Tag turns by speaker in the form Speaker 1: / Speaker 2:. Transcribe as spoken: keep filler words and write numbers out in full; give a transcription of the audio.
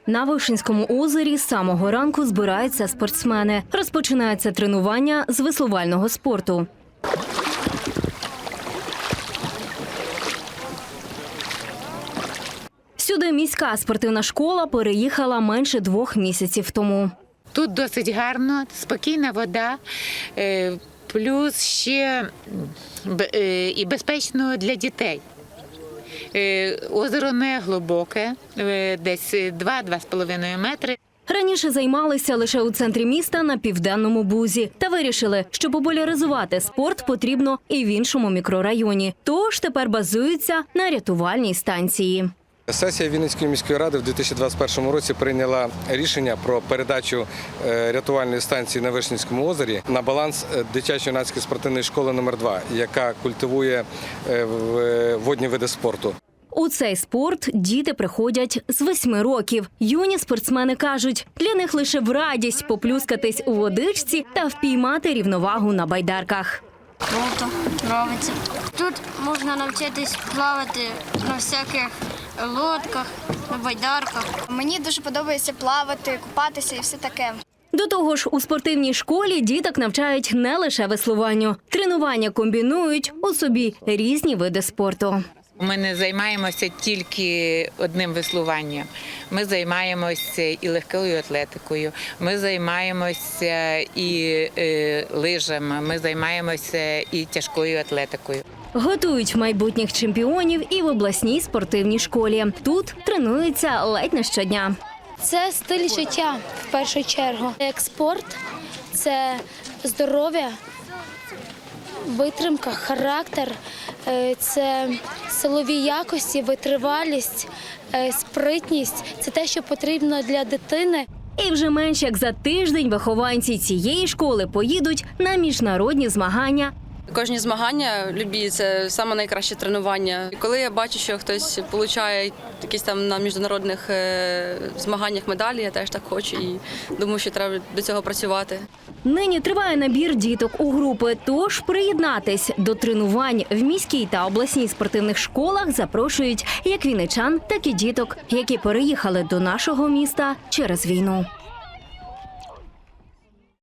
Speaker 1: На Вишинському озері з самого ранку збираються спортсмени. Розпочинається тренування з веслувального спорту. Сюди міська спортивна школа переїхала менше двох місяців тому.
Speaker 2: Тут досить гарно, спокійна вода, плюс ще і безпечно для дітей. Озеро не глибоке, десь два-два з половиною метри.
Speaker 1: Раніше займалися лише у центрі міста на Південному Бузі. Та вирішили, що популяризувати спорт потрібно і в іншому мікрорайоні. Тож тепер базуються на рятувальній станції.
Speaker 3: Сесія Вінницької міської ради в дві тисячі двадцять першому році прийняла рішення про передачу рятувальної станції на Вишинському озері на баланс дитячо-юнацької спортивної школи номер два, яка культивує водні види спорту.
Speaker 1: У цей спорт діти приходять з восьми років. Юні спортсмени кажуть, для них лише в радість поплюскатись у водичці та впіймати рівновагу на байдарках.
Speaker 4: Круто, подобається. Тут можна навчитись плавати на всяких лодках, на байдарках.
Speaker 5: Мені дуже подобається плавати, купатися і все таке.
Speaker 1: До того ж, у спортивній школі діток навчають не лише веслуванню. Тренування комбінують у собі різні види спорту.
Speaker 2: Ми не займаємося тільки одним веслуванням. Ми займаємося і легкою атлетикою, ми займаємося і лижами, ми займаємося і тяжкою атлетикою.
Speaker 1: Готують майбутніх чемпіонів і в обласній спортивній школі. Тут тренуються ледь не щодня.
Speaker 6: Це стиль життя, в першу чергу. Як спорт – це здоров'я, витримка, характер, це силові якості, витривалість, спритність – це те, що потрібно для дитини.
Speaker 1: І вже менш як за тиждень вихованці цієї школи поїдуть на міжнародні змагання.
Speaker 7: Кожні змагання любі – це саме найкраще тренування. І коли я бачу, що хтось отримує якісь там на міжнародних змаганнях медалі, я теж так хочу і думаю, що треба до цього працювати.
Speaker 1: Нині триває набір діток у групи, тож приєднатись до тренувань в міській та обласній спортивних школах запрошують як вінничан, так і діток, які переїхали до нашого міста через війну.